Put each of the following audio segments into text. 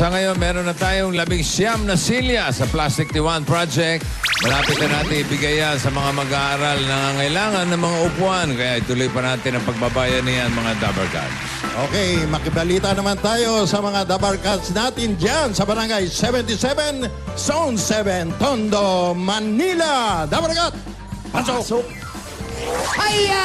Sa ngayon, meron na tayong 19 na silya sa Plastic Tiwan Project. Malapit na natin ibigay yan sa mga mag-aaral na nangangailangan ng mga upuan. Kaya ituloy pa natin ang pagbabayan niyan, mga Dabarkads. Okay, makibalita naman tayo sa mga Dabarkads natin dyan sa Barangay 77, Zone 7, Tondo, Manila. Dabarkat, pasok! Hiya!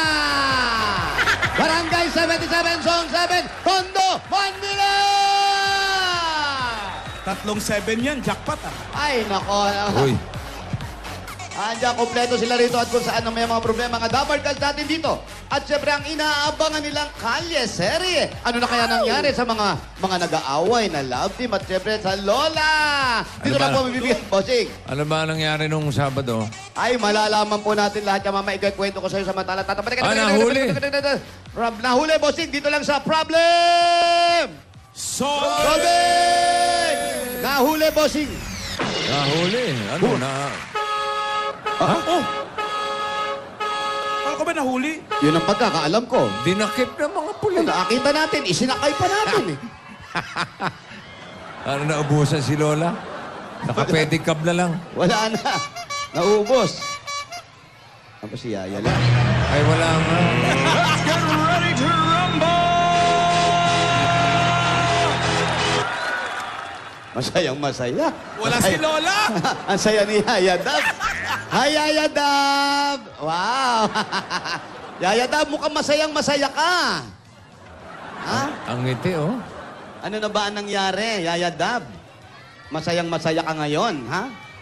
Barangay 77, Zone 7, Tondo, Manila! 3-7 yan, jackpot ah. Ay, nako. Uy, Andiyan, kompleto sila rito at kung saan may mga problema mga Dabarkads natin dito. At syempre, ang inaabangan nilang kalye, serye. Ano na kaya nangyari sa mga nag-aaway na love team at syempre sa Lola? Dito Ano na ba? po mabibigyan, bossing. ano ba nangyari nung Sabado? Ay, malalaman po natin lahat yung mamaya. Kwento ko sa'yo sa mantala. nahuli. Nahuli, bossing. Dito lang sa Problem! Robin! Nahuli, bossing. Nahuli. Ano na? Ako ba nahuli? Yun ang pagkakaalam ko. Dinakip ng mga pulis. Nakakita natin, isinakay pa natin eh. Ano, naubusan si Lola? Nakapedicab na lang. Wala na. Naubos. Tapos si Yaya lang. Ay, wala nga. Masayang masaya. Wala si Lola! Ang saya ni Yaya Dab. Hi, Yaya Dab! Wow! Yaya Dab, mukhang masayang masaya ka. Ha? Ang ngiti, oh. Ano na ba ang nangyari, Yaya Dab? Masayang masaya ka ngayon, ha?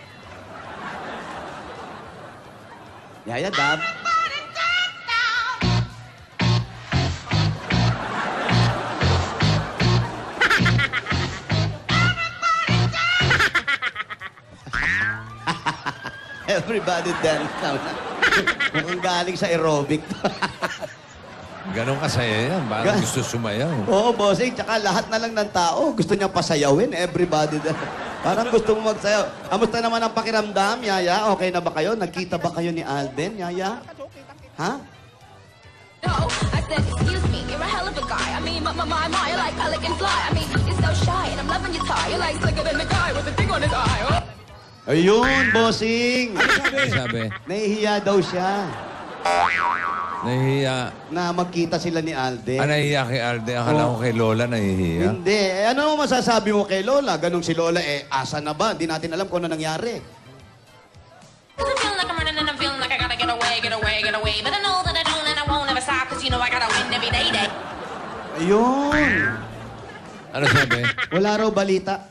Yaya Dab? Everybody dance now. Mukhang galing sa aerobic. Ganon kasaya yan. Parang gusto sumayaw. Oo, bossing. Tsaka lahat na lang ng tao gusto niyang pasayawin. Everybody dance. Parang gusto mo magsayaw. Kamusta naman ang pakiramdam, Yaya? Okay na ba kayo? Nagkita ba kayo ni Alden, Yaya? Ha? No, I said, excuse me, you're a hell of a guy. I mean, my, you're like pelican fly. I mean, you're so shy, and I'm loving your tie. You're like slicker than the guy with the thing on his eye. Oh. Ayun, bossing. Ano sabi? Nahihiya daw siya Nahihiya. na magkita sila ni Alden. Nahihiya kay Arde. Akala ko kay Lola nahihiya. Hindi. Ano naman masasabi mo kay Lola? Ganong si Lola, asa na ba? Hindi natin alam kung ano nangyari. Cause I feel like I'm running and I'm feeling like I gotta get away, get away, get away. But I know that I don't and I won't ever stop. Cause you know I gotta win every day. Ayun. Ano sabi? Wala raw balita.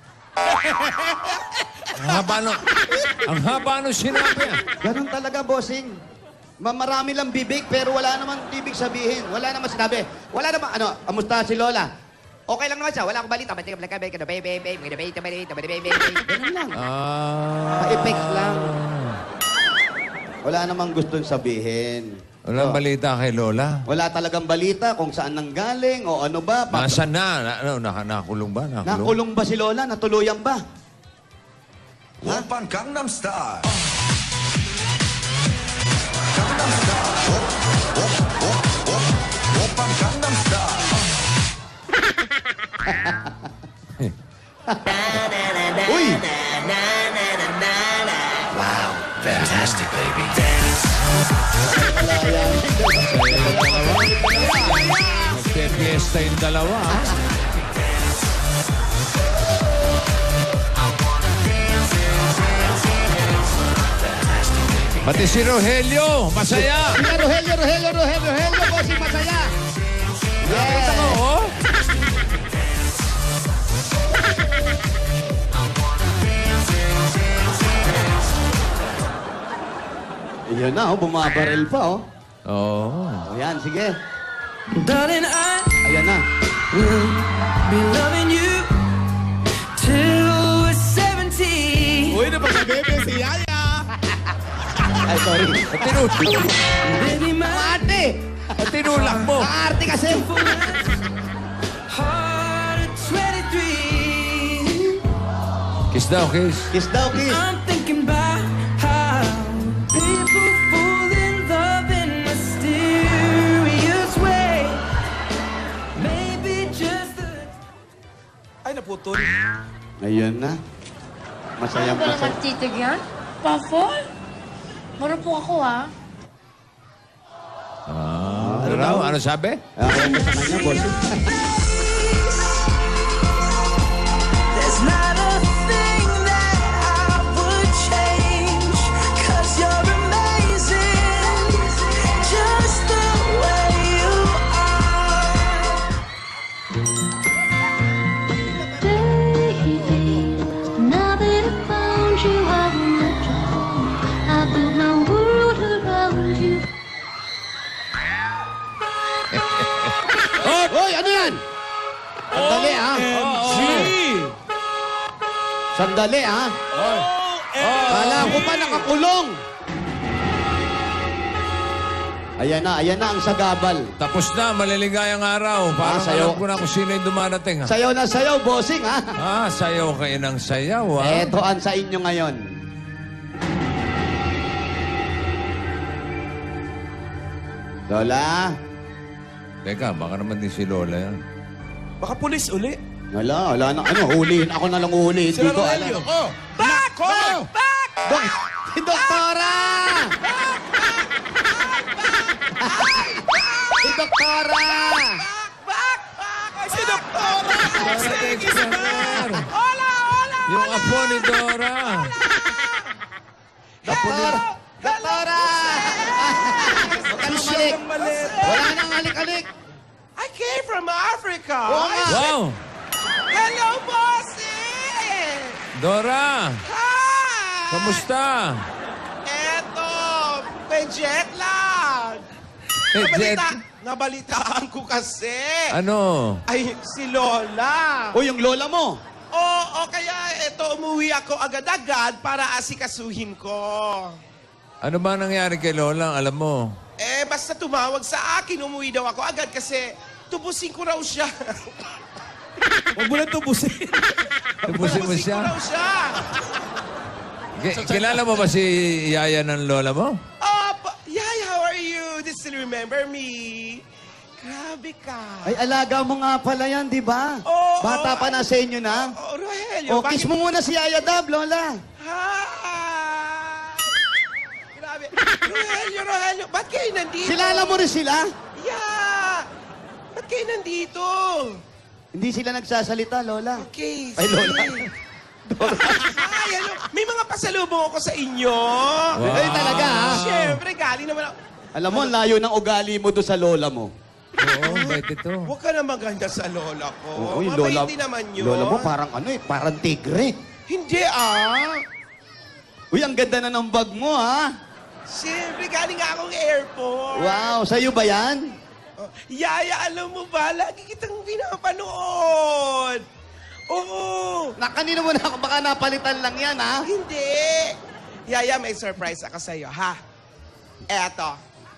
Ang haba nung sinabi. Ganon talaga, bossing. Marami lang bibig, pero wala naman ibig sabihin. Wala naman sinabi. Wala naman, amusta si Lola? Okay lang naman siya. Wala akong balita. Ganun lang. Pa-effects lang. Wala namang gustong sabihin. Walang balita kay Lola. Wala talagang balita kung saan nanggaling o ano ba. Nasaan na? Nakulong ba? Nakulong ba si Lola? Natuluyan ba? Oppan Gangnam Style. Gangnam Style. Oppan Gangnam Style. Uy! Wow, fantastic, baby. Nagpe-fiesta yung dalawa. Pati si Rogelio, masaya. Sila Rogelio, bossing masaya. Nakita ko, oh. Iyan na, bumabaril pa, Oo. Ayan, sige. Darling, I Ayan na. will be loving you till we're 70. Uy, napaka-bebe si Yaya! Ay, sorry. Baby, my Ate! Tinulak mo. Arte kasi. heart at 23. Kiss daw, kiss. Kiss daw, kiss. I'm thinking about how people fall in love in mysterious way. Maybe just the Ay, naputol. Ayun na. Masayang Ano ba naman masaya. titig yan? Pafol? Marupok ako, ha? Ano raw? Ano sabi? Okay mo sa kanya, boss. There's not a thing that I would change, 'cause you're amazing, just the way you are. Baby, now that I found you, I won't let you go. I built my world around you. Hoy, ano yan? Sandali, ha? Sandali, ha? Kala ko pa nakakulong. Ayan na ang sagabal. Tapos na, maliligayang araw. Parang sayaw. alam ko na kung sino yung dumarating. Ha? Sayaw na sayaw, bossing, ha? Sayaw kayo ng sayaw, ha? Eto ang sa inyo ngayon. Lola? Teka, baka naman din si Lola yan. Baka pulis uli. Wala na. Ano, hulihin. Ako na lang hulihin. Sila Hindi ko Rogelio. alam. Oh! Back! Back! Back! Si Doktora! Si Doktora! Back! Back! Ay, si Doktora! Sige, si Back! Hola! Hola! Yung apo ni Dora. Doktora! Doktora! Huwag ka nang malik. Wala nang halik-halik. I came from Africa. Oo nga. Wow! Hello, bossy! Dora! Hi! Kamusta? Eto, may jet lag. Eh, Nabalitaan ko kasi. Ano? Ay, si Lola. O, yung lola mo. Oo, kaya eto, umuwi ako agad-agad para asikasuhin ko. Ano ba nangyari kay Lola? Alam mo? Eh, basta tumawag sa akin, umuwi daw ako agad kasi tubusin ko raw siya. Huwag mo lang tubusin. Tubusin mo Tubusin ko siya? raw siya. Kilala mo ba si Yaya ng Lola mo? Oh, Yay, how are you? Do you still remember me? Grabe ka. Ay, alaga mo nga pala yan, di ba? Oo, Bata pa na sa inyo na. Oh, Rogelio. O, kiss mo muna si Yaya Dab, Lola. Hi! Grabe. Rogelio, ba't kayo nandito? Silala mo rin sila? Yeah! Ba't kayo nandito? Hindi sila nagsasalita, Lola. Okay, Ay, Lola. Ay, ano, may mga pasalubong ako sa inyo. Wow. Ay, talaga, ha? Siyempre, galing naman ako. Alam mo, ang layo ng ugali mo doon sa lola mo. Oo, bait ito. Huwag ka na maganda sa lola ko. Oo, yung lola, Mabait din naman yun. lola mo parang ano eh, parang tigre. Hindi Uy, ang ganda na ng bag mo, ha? Siyempre, galing nga akong airport. Wow, sa'yo ba yan? Oh, Yaya, alam mo ba, lagi kitang pinapanood. Oo. Kanina mo na, baka napalitan lang yan, ha? Hindi. Yaya, may surprise ako sa'yo, ha? Eto.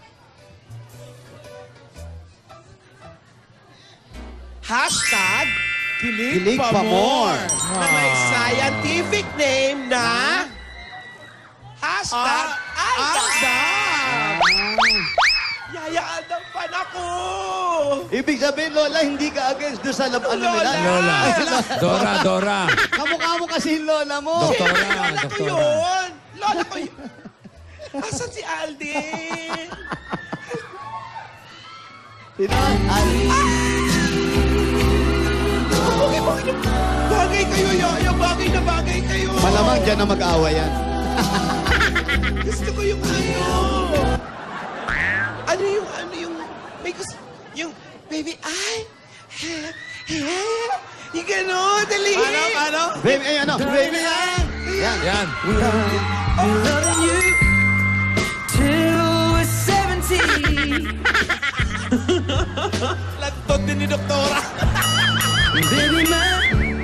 Hashtag Kilig pa more. Na may scientific name na hashtag Aldab. Yaya, Aldab fan ako. Ibig sabihin, Lola, hindi ka against doon sa ano nila? Lola. Dora. Kamukha mo kasi yung Lola mo. Doktora. Lola ko Doktora. yun. Lola ko yun. Asan si Aldin? Bagay kayo, Yaya. Bagay na bagay kayo. Malamang dyan na mag-awa yan. Gusto ko yung ano yung, may gusto, yung, baby, ay, yung gano'n, dali. Ano? Baby, ay ano? Baby, yan. Yan. Yan. Loving you till we're 70. Lantot din ni Doktora. Baby, my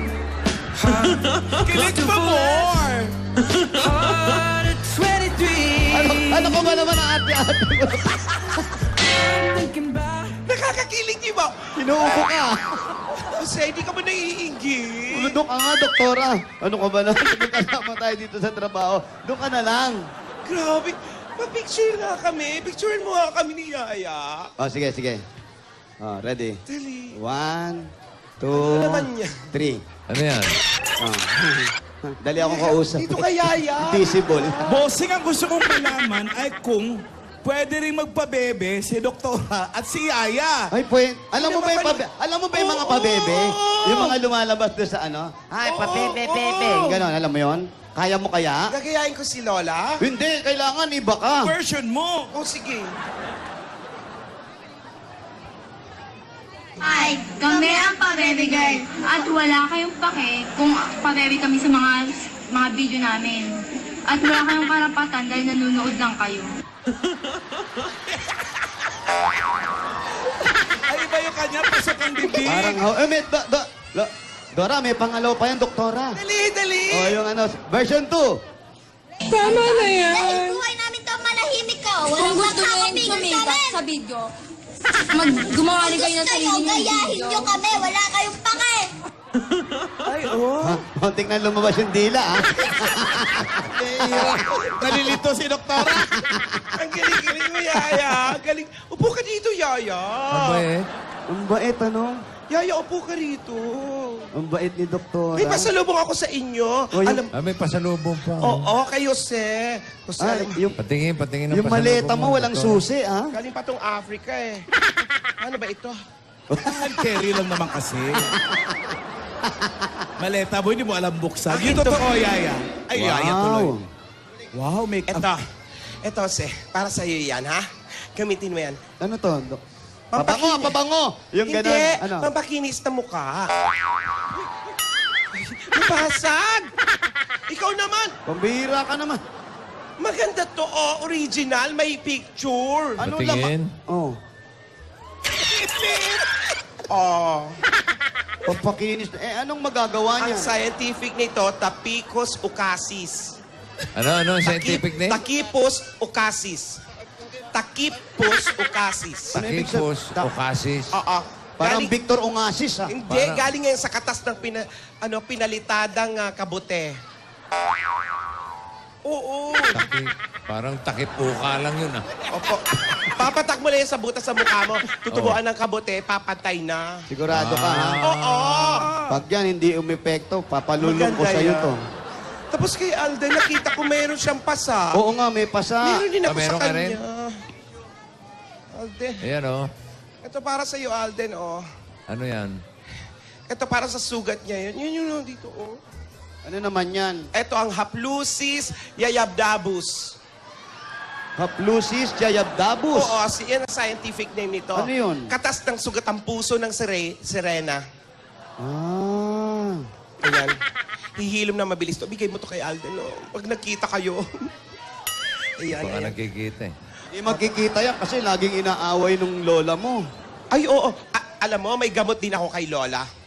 Kilig pa more. heart at 23. Ano ko ba naman ang ate-ate mo? Thinking about Nakakakilig, di ba? Inuupo ka. Kasi hindi ka ba naiingit? Doon ka nga, doktora. Ano ka ba na? Magkasama tayo dito sa trabaho. Doon ka na lang. Grabe. Pa-picture nga kami. Picturean mo nga kami ni Yaya. Oh, sige. Oh, ready? Dali. 1, 2, naman yan? 3. Ano yan? Dali akong kausap. Dito kay Yaya. Visible. Bossing, ang gusto kong malaman ay kung pwede rin magpabebe si Doktora at si Yaya. Ay, alam mo ba yung mga pabebe? Yung mga lumalabas doon sa ano? Ay, pabebe, bebe. Ganon, alam mo yon? Kaya mo kaya? Gagayain ko si Lola? Hindi, kailangan iba ka. Version mo. Oh, sige. Hi, kami ang Pabebe Girl. At wala kayong pake kung pabebe kami sa mga video namin. At wala kayong karapatan dahil nanonood lang kayo. Ay, iba yung kanya, pasok ang bibig. Parang, Dora, may pangalaw pa yan, doktora. Dali! O, yung ano, version 2. Tama na yan. Dahil buhay namin to malahimik ko. Kung gusto nyo yung sumikat sa video, gumawa rin kayo ng sarili Kayo, ng gayahin video. nyo kami. Wala kayong pake. Ay, oh. Konting na lumabas yung dila, ha? Nalilito si Doktora. Ang galing-galing mo, Yaya. Galing. Upo ka dito, Yaya. Ang bait. Ang bait, ano? Yaya, upo ka rito. Ang bait ni doktora. May pasalubong ako sa inyo. Oh, yung- Ah, may pasalubong pa. Oo, kay Jose. Jose, Ay, yung, Patingin ng yung maleta mo, walang doktor. susi, ha? galing pa tong Africa eh. Ano ba ito? Hand carry lang naman kasi. Maleta mo, hindi mo alam buksan. Bakit Yung totoo, Yaya. Ay, Yaya tuloy. Wow, make up. Ito, Jose. Para sa'yo yan, ha? Gamitin mo yan. Ano to? Pabango! Yung Hindi, gano'n, ano? pampakinis na mukha. Mabasag! Ikaw naman! Pambihira ka naman. Maganda to, oh, original, may picture. Ano Patingin. Oh. Oh, Pampakinis. Anong magagawa ang niya? scientific nito, Tapicus ucasis. Ano, scientific name? Takipus ucasis. Takipus ucasis. Takipus, Ocasis. Oo. Parang Galing- Victor Ongasis, ha? Hindi, Parang- galing yan sa katas ng pinalitadang kabute. Oo. Parang takipuka lang yun, ah. Opo. Papatak mo lang yan sa butas sa mukha mo. Tutubuan ng kabute, papatay na. Sigurado ka, ha? Oo. Pag yan hindi umepekto, papalulong ko Maganda sa'yo yan. to. Tapos kay Alden, nakita ko mayroon siyang pasa. Oo nga, may pasa. Meron din ako meron sa ka kanya. rin? Alden. Ayan, oh. Ito para sa iyo, Alden, oh. Ano yan? Ito para sa sugat niya yun. Yun yun, dito, oh. Ano naman yan? Ito ang Haplusis yayabdabus. Haplusis jayabdabus. Oo, yan ang scientific name nito. Ano yun? Katas ng sugat ang puso ng sirena. Ah. Ayan. Hihilom na mabilis to. Bigay mo to kay Alden, oh. Pag nagkita kayo. Ayan, Baka ayan. nagkikita, eh. Hindi magkikita yan kasi laging inaaway nung lola mo. Ay, oo. Alam mo, may gamot din ako kay Lola.